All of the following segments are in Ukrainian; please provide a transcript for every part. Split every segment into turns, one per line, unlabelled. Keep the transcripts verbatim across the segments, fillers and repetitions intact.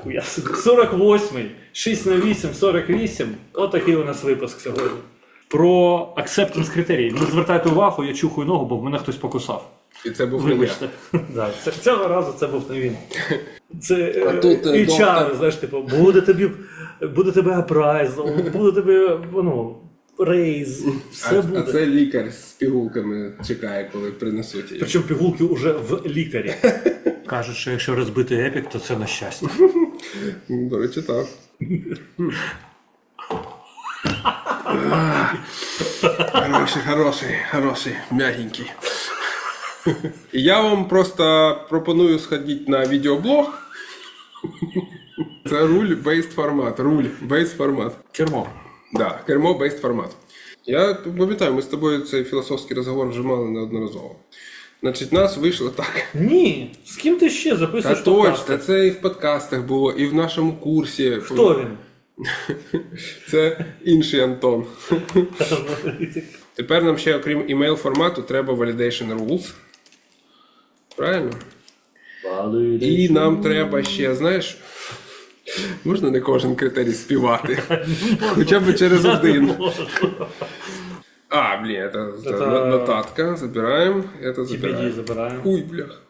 Ніхуя собі. сорок восьмий, шість на вісім, сорок вісім. Отакий у нас випуск сьогодні. Про acceptance критерії. Не звертайте увагу, я чухаю ногу, бо в мене хтось покусав.
І це був не я.
Вибачте. Да, це- Цього разу це був не він. Це
А тут, е,
ейч ар,
доктор.
знаєш, типу, буде тобі, буде тебе апрайзл, буде тобі, ну, рейз, все
А,
буде.
а це лікар з пігулками чекає, коли принесуть її.
Причому пігулки вже в лікарі. Кажуть, що якщо розбити епік, то це на щастя.
Ну, до речі, так. Хороший, хороший, хороший, м'ягенький. І я вам просто пропоную сходити на відеоблог. Це руль бейст формат. Руль бейст формат.
Кермо.
Да, кермо бейст формат. Я пам'ятаю, ми з тобою цей філософський розговор вже мали неодноразово. Значить, нас вийшло так.
Ні, з ким ти ще
Та
записуєш
точно,
подкасти?
це і в подкастах було, і в нашому курсі.
Хто він?
Це інший Антон. Тепер нам ще, окрім email формату, треба validation rules. Правильно? І нам треба ще, знаєш, можна не кожен критерій співати. Хоча б через один. А, блін, это, это...
Это-
нотатка. Забираємо. Это
Ті
забираємо.
забираємо.
Уй, блях.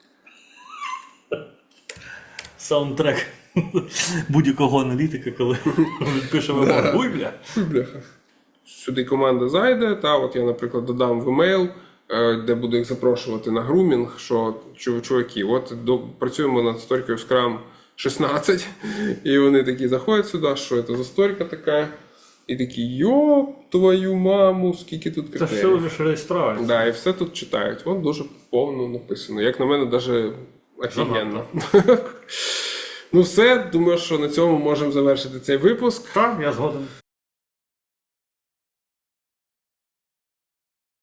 Саундтрек будь-якого аналітика, коли він пише вимогу. Уй, бля.
Уй, бляха. Сюди команда зайде, та от я, наприклад, додам в емейл, е, де буду їх запрошувати на грумінг, що чу- чуваки, от до, працюємо над сторікою в Scrum шістнадцять, і вони такі заходять сюди, що це за сторіка така, і такі, йоп, твою маму, скільки тут
Це
критерій.
все лише реєстрація.
Да, і все тут читають. От дуже повно написано. Як на мене, навіть офігенно. Ну все, думаю, що на цьому можемо завершити цей випуск.
Так, я згоден.